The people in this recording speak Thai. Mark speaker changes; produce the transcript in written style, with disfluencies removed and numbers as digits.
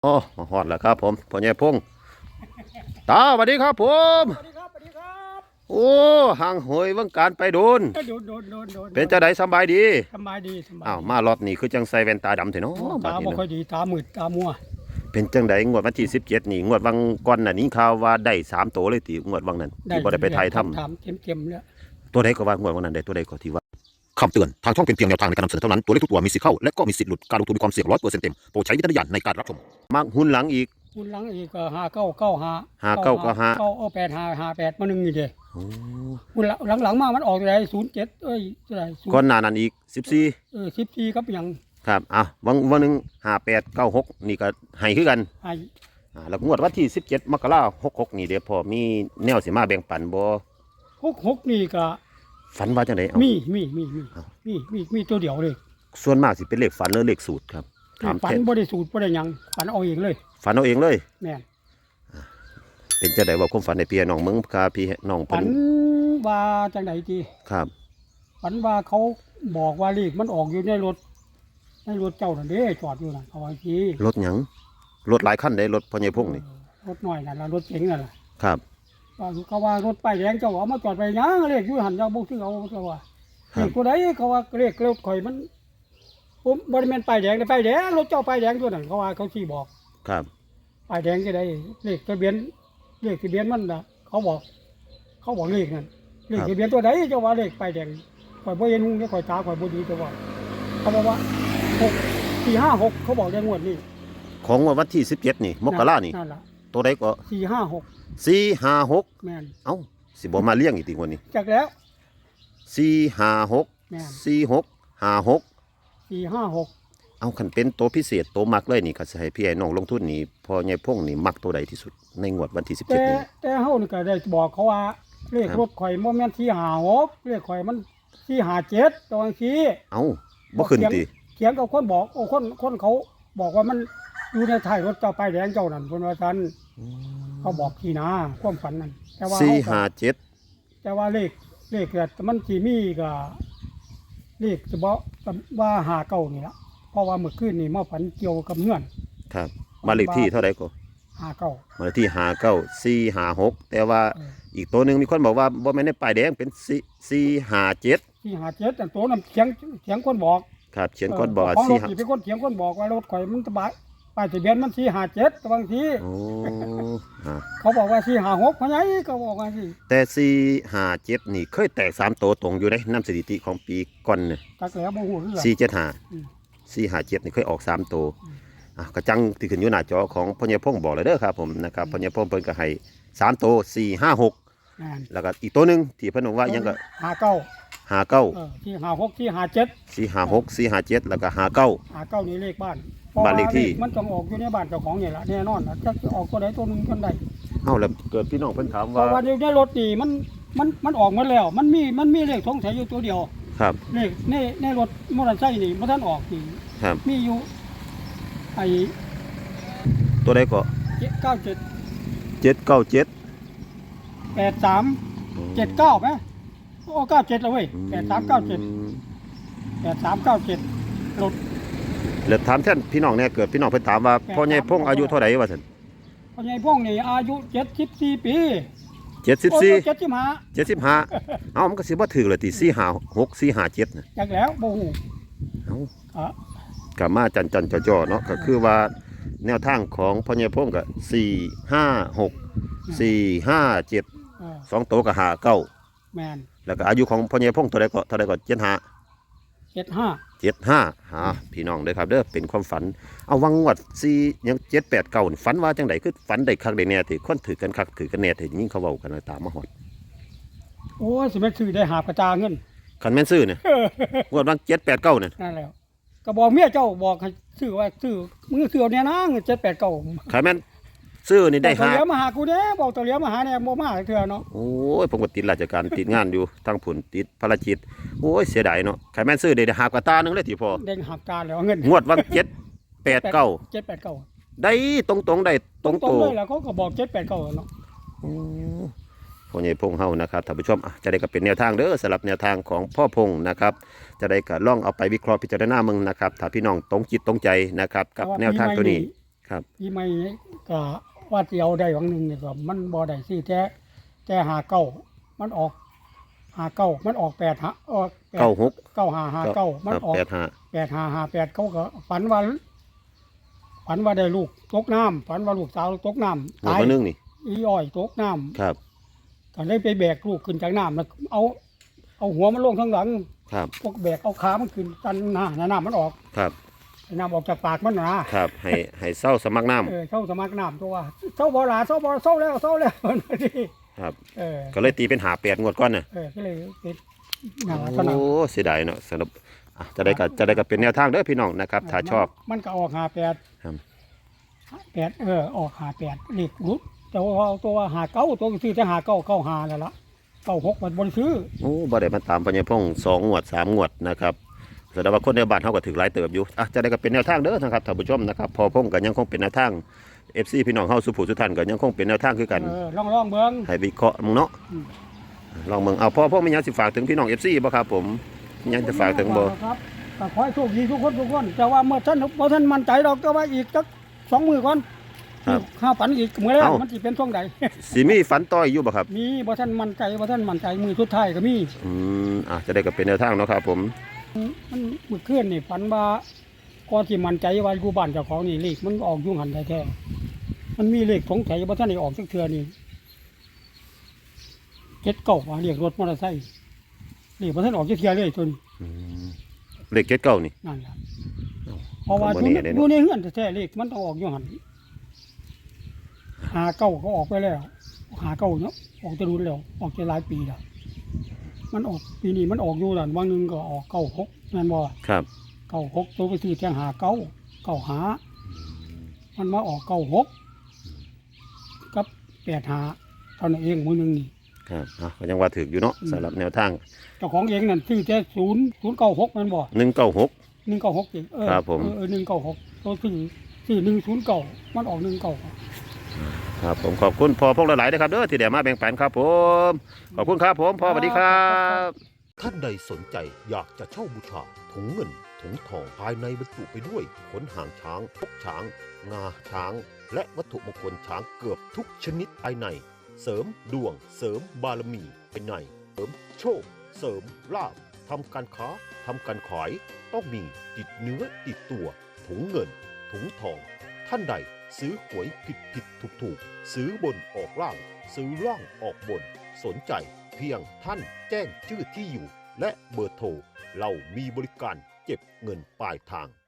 Speaker 1: อ๋อฮอดแล้วครับผมพ่อใหญ่พงษ์ตาสวัสดีครับผม
Speaker 2: สวัสดีครับสวัสดีครับ
Speaker 1: โอ้ห่างเหยวงการไปโดน
Speaker 2: โดน
Speaker 1: เป็นจะได้สบายดี
Speaker 2: สบายดีสบาย
Speaker 1: อ้าว
Speaker 2: ดี
Speaker 1: มารอบนี้คือจังใส่แว่นตาดำเถอะเนาะบัด
Speaker 2: ตา
Speaker 1: นี้เนาะ
Speaker 2: บ่ค่อยดีตามืดตามัว
Speaker 1: เป็นจังไดงวดวันที่17นี่งวดวังก่อนน่ะนี้ข่าวว่าได้3ตัวเลยติงวดวังนั้นที่บ่ได้ไปถ่ายทำ
Speaker 2: ถามเต็มแล้ว
Speaker 1: ตัวใดก็ว่างวดวังนั้นได้ตัวใดก็ที่ว่าคำเตือนทางช่องเป็นเพียงแนวทางในการนำเสนอเท่านั้นตัวเลขทุกตัวมีสิทธิ์เข้าและก็มีสิทธิ์หลุดการลงทุนมีความเสี่ยง100%เต็มโปรดใช้วิจารณญาณในการรับชมมักหุ้นหลังอีก
Speaker 2: คุณหลังอีกก็5995
Speaker 1: 5995
Speaker 2: เก้าเอา8558มาหนึ่งนี่เด้
Speaker 1: โอ้
Speaker 2: คุณหลังมามันออกเท่าไหร่07เท่าไหร่
Speaker 1: ก่อนหน้านั้นอีก14
Speaker 2: 14ครับหยัง
Speaker 1: ครับวันหนึ่ง5896นี่ก็ให้คือกัน
Speaker 2: ให้
Speaker 1: แล้วงวดวันที่17 มกราคม66นี่เดี๋ยวพอมีแนวสิมาแบ่งปันบ่
Speaker 2: 66นี่ก็
Speaker 1: ฝันว่าจังไดเอาเอ้า
Speaker 2: มีตัวเดียวเลย
Speaker 1: ส่วนมากสิเป็นเลขฝันหรือเลขสูตรครับถาม
Speaker 2: ฝัน
Speaker 1: แท้
Speaker 2: บ่ได้สูตรบ่ได้หยังฝันเอาเองเลย
Speaker 1: ฝันเอาเองเลย
Speaker 2: แม่น
Speaker 1: เป็นจังไดว่าความฝันในพี่น้องมึงพาพี่น้อง
Speaker 2: ฝั
Speaker 1: เพิ่
Speaker 2: น
Speaker 1: น
Speaker 2: ว่าจังไดจี
Speaker 1: ครับ
Speaker 2: ฝันว่าเขาบอกว่าเลขมันออกอยู่ในรถเจ้านั่นเด้จอดอยู่นั่นเขาว่าที
Speaker 1: รถหยังรถหลายคันได้รถพ่อใหญ่พงษ์นี่
Speaker 2: รถหน่อยนั่นล่ะรถเก๋งนั่นล่ะ
Speaker 1: ครับ
Speaker 2: ว่าเขาว่ารถป้ายแดงเจ้าเอามาจอดไปยังเลขอยู่หันเจ้าบ่ซื้อเอาเจ้าว่า
Speaker 1: ครั
Speaker 2: เล
Speaker 1: บ
Speaker 2: ขผู้ใดเขาว่าเลขรถข่อยมันผมบ่ได้แม่นป้ายแดงแต่ป้ายแดงรถเจ้าป้ายแดงตัวนั้นเขาว่าเขาสิบอก
Speaker 1: ครับ
Speaker 2: ป้ายแดงจะได้เลขทะเบียนมันน่ะเขาบอกเลขนั่นเลขทะเบียนตัวใดเจ้าว่าเลขป้ายแดงข่อยบ่เห็นหุ้งข่อยตาข่อยบ่ดีเจ้าว่าเขาบอกว่า456เขาบอกในงวดนี้
Speaker 1: ของวันที่17นี่มกรานี่
Speaker 2: นั่นล่ะ
Speaker 1: ตัวใดก็
Speaker 2: 456
Speaker 1: 456
Speaker 2: แม่น
Speaker 1: เอ้าสิบ่มาเลี้ยงอีกติงวดนี้
Speaker 2: จากแล้ว
Speaker 1: 456
Speaker 2: แม่น
Speaker 1: 4656
Speaker 2: 456
Speaker 1: เอาคันเป็นตัวพิเศษตัวมักเลยนี่ก็สิให้พี่ไอ้น้องลงทุนนี่พอใหญ่พงนี่มักตัวใดที่สุดในงวดวันที่17นี้
Speaker 2: แต่เฮานี่ก็ได้บอกเขาว่าเลข
Speaker 1: ครับ
Speaker 2: รถข่อยบ่แม่น456เลขข่อยมัน457ตอนนี้
Speaker 1: เอ้าบ่ขึ้นติ
Speaker 2: เถียงกับคนบอกคนเขาบอกว่ามันอยู่ในท้ายรถเจ้าป้ายแดงเจ้านั่นเพิ่นว่าซั่นเขาบอกที่นาความฝันนั่นแต่ว่าเฮาก็
Speaker 1: 457
Speaker 2: แต่ว่าเลขก็มันสิมีก็เลขเฉพาะว่า59นี่ล่ะเพราะว่าเมื่อคืนนี่มาฝันเกี่ยวกับเฮือน
Speaker 1: ครับบ้านเลขที่เท่าไหร่ก็
Speaker 2: 59
Speaker 1: บ้านเลขที่59 456แต่ว่า
Speaker 2: เออ
Speaker 1: อีกตัวหนึงมีคนบอกว่าบ่แม่นในป้ายแดงเป็น457
Speaker 2: 457แต่ตัวนั้นเถียงคนบอก
Speaker 1: ครับเขียนก่อนบอก
Speaker 2: ของรถ
Speaker 1: 4
Speaker 2: นี่เป็นคนเถียงคนบอกว่ารถข่อยมันสบายป้ายทะเบียนมัน457บางที
Speaker 1: โอ้อ่า
Speaker 2: เขาบอกว่า456เพราะไงเขาบอกว่าสิ
Speaker 1: แต่457นี่เคยแตก3ตัวตรงอยู่ในนำสถิติของปีก่อนเนี่ย
Speaker 2: จักแล้วบ่ฮู้คือกัน อืม
Speaker 1: 457นี่เคยออก3ตัวกระจังที่ขึ้นอยู่หน้าจอของพ่อใหญ่พงษ์บอกเลยเด้อครับผมนะครับพ่อใหญ่พงษ์เพิ่นก็ให้3ตัว456
Speaker 2: นั่น
Speaker 1: แล้วก็อีกตัวหนึงที่เพิ่นบอกว่ายังก็
Speaker 2: 59ที่56ที่57
Speaker 1: 456 457แล้วก็59
Speaker 2: นี่เลขบ้าน
Speaker 1: บ้านเลขที่
Speaker 2: มันต้องออกอยู่ในบ้านเจ้าของนี่ล่ะแน่นอนน่ะจักสิออกตัวใดตัวหนึงกันได้
Speaker 1: เอ้าแล้วเกิดพี่น้องเพิ่นถาม
Speaker 2: เพ
Speaker 1: ว่า
Speaker 2: ราะว่าอยู่ในรถนี่มันออกหมดแล้ว มันมีเลขสงสัยอยู่ตัวเดียว
Speaker 1: ครับ
Speaker 2: เลขในรถมอเตอร์ไซค์นี่บ่ทันออกนี่
Speaker 1: ครับ
Speaker 2: มีอยู่ไอ้
Speaker 1: ตัวใดก็
Speaker 2: 97
Speaker 1: 797
Speaker 2: 83 79มั้ยโอ้97แล้วเว้ย8397รถ
Speaker 1: แล้วถามแท่นพี่น้องเนี่ยเกิดพี่น้องเพิ่นถามว่าพ่อใหญ่พงษ์อายุเท่าไหร่ว่าซั่น
Speaker 2: พ่อใหญ่พงษ์นี่อายุ74ปีโอ้
Speaker 1: 74
Speaker 2: 75
Speaker 1: 75เอ้ามันก็สิบ่ถูกเลยติ456 457น่ะ
Speaker 2: จักแล้วบ่ฮู้
Speaker 1: เอ้า
Speaker 2: อ่ะ
Speaker 1: ก็มาจันจ่อๆเนาะก็คือว่าแนวทางของพ่อใหญ่พงษ์ก็456 457
Speaker 2: เออ
Speaker 1: 2ตัวก็59
Speaker 2: แม่น
Speaker 1: แล้วก็อายุของพ่อใหญ่พงษ์เท่าใดก็75
Speaker 2: 75
Speaker 1: พี่น้องเด้อครับเด้อเป็นความฝันเอาวังงวด4ยัง789นี่ฝันว่าจังไดคือฝันได้คักได้แน่ที่คนถือกันคักถือกันแน่ที่ยิ่งเขาเว้ากันว่าตามมาฮอด
Speaker 2: โอ้ยสิแม่นซื้อได้หาประจาเงิน
Speaker 1: คันแม่นซื้อเนี่ยงวดวัง789เนี่ย
Speaker 2: นั่นแหล้วก็บอกเมียเจ้าบอกให้ซื้อว่าซื้อมึงซื้อเอาเนี่ยนะเงิน789
Speaker 1: คันแม่นซื้อนี่ได้
Speaker 2: ตัว
Speaker 1: หา
Speaker 2: เหลียวมาหากูเด้บอกตัวเหลียวมาหาเนี่ยบ่มาเทื่อเนาะ
Speaker 1: โอ้ยผมก็ติดราชการติดงานอยู่ทั้งผุนติดภารกิจโอ้ยเสียดายเนาะคันแม่นซื้อได้หากว่าตาหนึงเลยที่พอ
Speaker 2: เด้งหักการแล้วเงิน
Speaker 1: งวดวัง789
Speaker 2: 789
Speaker 1: ได้ตรงๆได้ตรง
Speaker 2: ตร
Speaker 1: โต
Speaker 2: งเลยแล้วเขาก็บอก789เนาะ
Speaker 1: พ่อใหญ่พงษ์เฮานะครับท่านผู้ชมจะได้ก็เป็นแนวทางเด้อสำหรับแนวทางของพ่อพงษ์นะครับจะได้ก็ลองเอาไปวิเคราะห์พิจารณามึงนะครับถ้าพี่น้องตรงจิตตรงใจนะครับกับแนวทางตัวนี้คครับ
Speaker 2: ปีใหม่ก็ว่าสิเอาได้หวังหนึงนี่ก็มันบ่ได้สิแต่หาเก้ามันออกหาเก้ามันออก8หาออก8
Speaker 1: 96
Speaker 2: 9559มันออก
Speaker 1: 85
Speaker 2: 8558เขาก็ฝันว่าได้ลูกตกน้ำฝันว่าลูกสาวตกน้ำ
Speaker 1: หัว
Speaker 2: ตาย
Speaker 1: มานึงนี่
Speaker 2: อีอ้อยตกน้ำ
Speaker 1: ครับ
Speaker 2: ก็เลยไปแบกลูกขึ้นจากน้ำแล้วเอาหัวมันลงข้างหลัง
Speaker 1: ครับ
Speaker 2: พวกแบกเอาขามันขึ้นกันน้ำมันออก
Speaker 1: ครับ
Speaker 2: ให้น้ำออกจากปากมันนะครับ
Speaker 1: ให้เศร้าสมัครน้ำ
Speaker 2: เศร้าสมัครน้ำตัวว่าเศร้าบ่หลาเศร้าบ่เศร้าแล้วมันดี
Speaker 1: ครับ
Speaker 2: เออ
Speaker 1: ก็เลยตีเป็น8งวดก่อนน่ะ
Speaker 2: ก็เลยเป็นน่าเท่านั้น
Speaker 1: โอ้เสียดายเนาะสำหรับจะได้ก็เป็นแนวทางเด้อพี่น้องนะครับถ้าชอบ
Speaker 2: มันก็ออก58
Speaker 1: ครับ
Speaker 2: 8ออก58เลขรุดแต่ว่าเอาตัว59ตัวก็ซื้อแต่5995แล้วล่ะ96มันบ่ได้ซื้อ
Speaker 1: โอ้บ่ได้มาตามปัญญาพงษ์2งวด3งวดนะครับแสดงว่าคนในบ้านเฮาก็ถือหลายเติบอยู่จะได้ก็เป็นแนวทางเด้อนะครับท่านผู้ชมนะครับพอพงษ์ก็ยังคงเป็นแนวทาง FC พี่น้องเฮาสุผู้สุท่านก็ยังคงเป็นแนวทางคือกัน
Speaker 2: ลองเบิ่ง
Speaker 1: ให้วิเคราะห์มึงเนาะ
Speaker 2: อืม
Speaker 1: ลองมึงเอาพ่อมีหยังสิฝากถึงพี่น้อง FC บ่ครับผมมีหยังจะฝากถึงบ่
Speaker 2: ครับก็ขอให้โชคดีทุกคนแต่ว่าเมื่อท่านมั่นใจเราก็ว่าอีกสัก2 มื้อก่อน
Speaker 1: ครับ
Speaker 2: ข้าฝันอีกมื้อแรก
Speaker 1: เอ้า
Speaker 2: มันสิเป็นช่วงใด
Speaker 1: สิมีฝันต่ออยู่บ่ครับ
Speaker 2: มีบ่ท่านมั่นใจมือสุดท้ายก็มี
Speaker 1: จะได้ก็เป็นแนวทางเนาะครับผม
Speaker 2: มันมื้อคืนนี่ฝันว่าก่อนสิมั่นใจว่าอยู่บ้านเจ้าของนี่เลขมันออกอยู่หันแท้ๆมันมีเลขสงสัยบ่ท่านได้ออกสักเทื่อนี่79ว่าเรียกรถมอเตอร์ไซค์เลขบ่ท่านออกจักเทื่อเลยตัวนี้
Speaker 1: เลข79นี่
Speaker 2: นั่นล่ะ
Speaker 1: เอ้า
Speaker 2: เพราะว่า
Speaker 1: ก็
Speaker 2: อ
Speaker 1: บ่
Speaker 2: ยู่
Speaker 1: แน่เด้
Speaker 2: อ
Speaker 1: เนาะ
Speaker 2: ยู่ในเฮือนแท้ๆเลขมันต้องออกอยู่หัน59ก็ออกไปแล้ว59เนาะออกจะรุนแล้วออกจะหลายปีแล้วมันออกปีนี้มันออกอยู่นั่นวันหนึงก็ออก96นั่นบ่
Speaker 1: ครับ
Speaker 2: 96ตัวไปซื้อแทง59หามันมาออก96กับ85เท่านั้นเองมื้อนึงนี่
Speaker 1: ครับก็ยังว่าถึกอยู่เนาะสำหรับแนวทาง
Speaker 2: เจ้าของเองนั่นซื้อแต่096มันบ่
Speaker 1: 196
Speaker 2: 196จริง
Speaker 1: ครับผม
Speaker 2: 196ตัวซื้อ109มันออก196
Speaker 1: ครับผมขอบคุณพ่อพงษ์หลายๆนะครับเด้อที่ได้มาแบ่งปันครับผมขอบคุณครับผมพ่อสวัสดีครับ ท่านใดสนใจอยากจะเช่าบูชาถุงเงินถุงทองภายในบรรจุไปด้วยขนหางช้างพกช้าง งาช้าง และวัตถุมงคลช้างเกือบทุกชนิดภายในเสริมดวงเสริมบารมีภายในเสริมโชค เสริมลาภทำการค้าทำการขายต้องมีติดเนื้อติดตัวถุงเงินถุงทอง ท่านใดซื้อหวยผิดถูกซื้อบนออกล่างซื้อล่างออกบนสนใจเพียงท่านแจ้งชื่อที่อยู่และเบอร์โทรเรามีบริการเก็บเงินปลายทาง